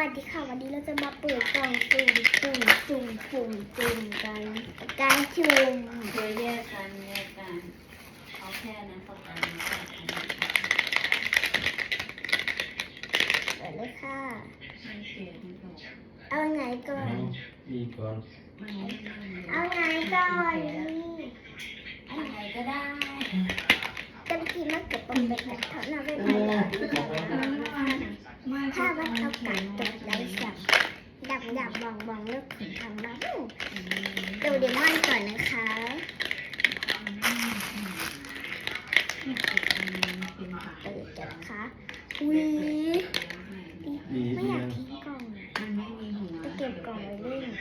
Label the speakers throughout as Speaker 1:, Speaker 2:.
Speaker 1: ดีค่ะวันนี้เราจะมาเปิดกล่องสุ่มกันการชุม
Speaker 2: โดยแยกกันเอาแค่นั้นประกัน
Speaker 1: เปิดเลยค่ะ
Speaker 2: ไม่เสียไม่ตก
Speaker 1: เอาไงก่อน
Speaker 3: อีกก่อน
Speaker 1: เอาไงก่อนนี่
Speaker 2: อะไรก็ได้
Speaker 1: จำกินมากเกือบเป็นแบบนั้นเท่านั้นไม่พอแล้วถ้าว่าเอากัดตกไรสับดับบ่องเลือกขุนทำบ้างดูเดมอนก่อนนะคะเปิดกันนะคะอุ้ยไม่อยากทิ้งกล่อง
Speaker 2: มันไม่มีหัว
Speaker 1: จะเก็บกล่องไว้เล่น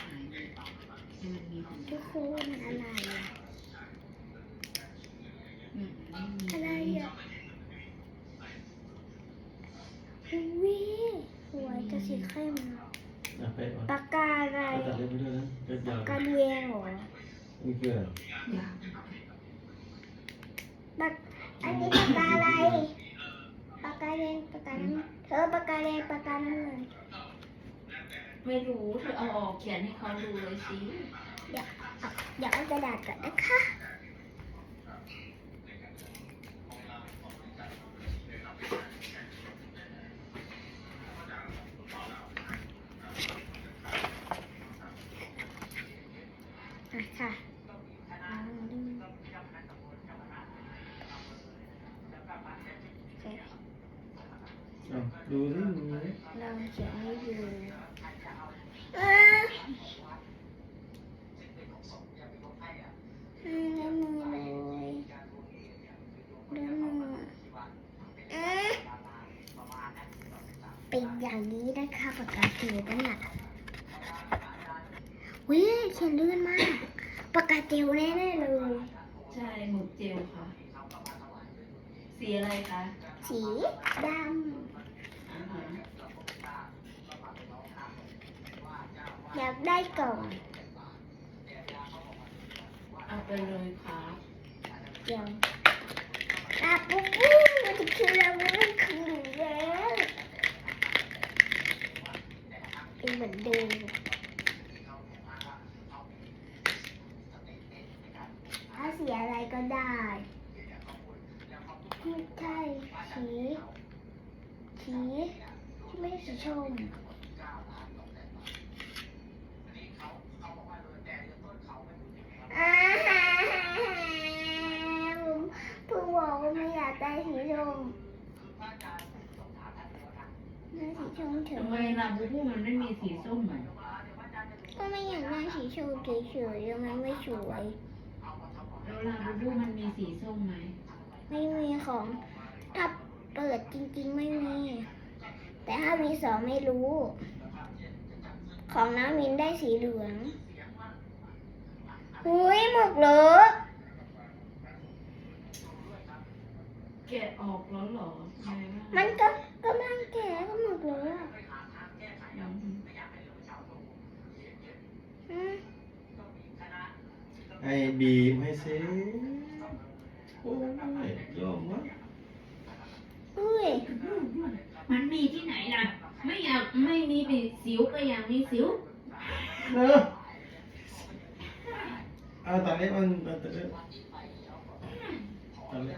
Speaker 1: ทุกคนอะไรอะอะไรอ่ะอุ้ยสวยจะสีเข้ม
Speaker 3: ไปก่อน
Speaker 1: ปากกาอะไร
Speaker 3: ตัดเล็บไปด้วยนะเล็บยาว
Speaker 1: กาเวงเหรอ
Speaker 3: นี่คืออะไร
Speaker 1: ปากอันนี้ปากกาอะไรปากกาแดงปากกาน้ำเธอปากกาแดงปากกาน้ำเงิน
Speaker 2: ไม่รู้เธอเอาออกเขียนให้เขาดูเลยสิ
Speaker 1: เดี๋ยวเอากระดาษก่อนนะคะค่ะ
Speaker 3: ดูสิดูสิ
Speaker 1: เราเขียนให้ดูได้มือเลยได้มือเป็นอย่างนี้นะคะปากกาเขียนเนี่ยวิเขียนลื่นมากปากกาเจลแน่ๆเลย
Speaker 2: ใช่หมึกเจลค่ะ สีอะไรคะ
Speaker 1: สีด
Speaker 2: อ่าฮะ
Speaker 1: ำอยากได้กล่อง
Speaker 2: เอาไปเลยค่ะ
Speaker 1: เดี๋ยวปุ๊บมันจะคือเราไม่คือแล้วเป็นเหมือนเดิมถ้าสีอะไรก็ได้ไม่ใช่สีที่ไม่ใช่สีชมเพิ่งบอกว่าไม่อยากได้สีชมได้สีชมเถ
Speaker 2: ทำไม
Speaker 1: อะ
Speaker 2: ลาบูบูมันไม่มีสีส้มเหมือน
Speaker 1: ก็ไม่อยากได้สีชมเฉยๆยังไม่สวย
Speaker 2: แล้วลาบูบูมันมีสีส้มไหม
Speaker 1: ไม่มีของถ้าเปิดจริงๆไม่มี แต่ถ้ามีสองไม่รู้ ของน้ำมินได้สีเหลืองหุยหมกเหรอ
Speaker 2: แกะออกแล้วเหรอไงบ้าง
Speaker 1: มันก็กำลังแก่ก็หมกเหรออืม
Speaker 3: ไอ้บีมให้เซโอ้ยยอมวะ
Speaker 1: อุ้ย
Speaker 2: มันมีที่ไหนล่ะ ไม่อยากไม่มีสิวก็อยากมีสิว
Speaker 3: เนอะเอาตัดเล็บมันตัดเล็บตัดเล็บ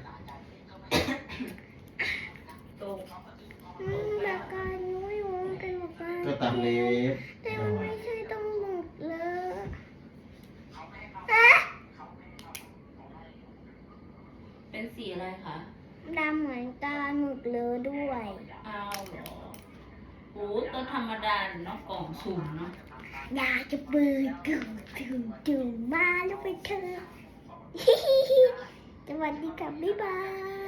Speaker 2: โต
Speaker 1: ปากกายุ้ยมันเป็นปากกา
Speaker 3: ก็ตัดเล็บ
Speaker 1: แต่มันไม่ใช่ต้องหมกเลย
Speaker 2: เป็นสีอะไรคะ
Speaker 1: ดำเหมือนตาหมึกเลยด้วย
Speaker 2: เอาเหรอโอ้ก็ธรรมดาเนาะกล่องสุ่มเนาะ
Speaker 1: อยากจะเปิดดูมาแล้วไปเถอะ สวัสดีค่ะบ๊ายบาย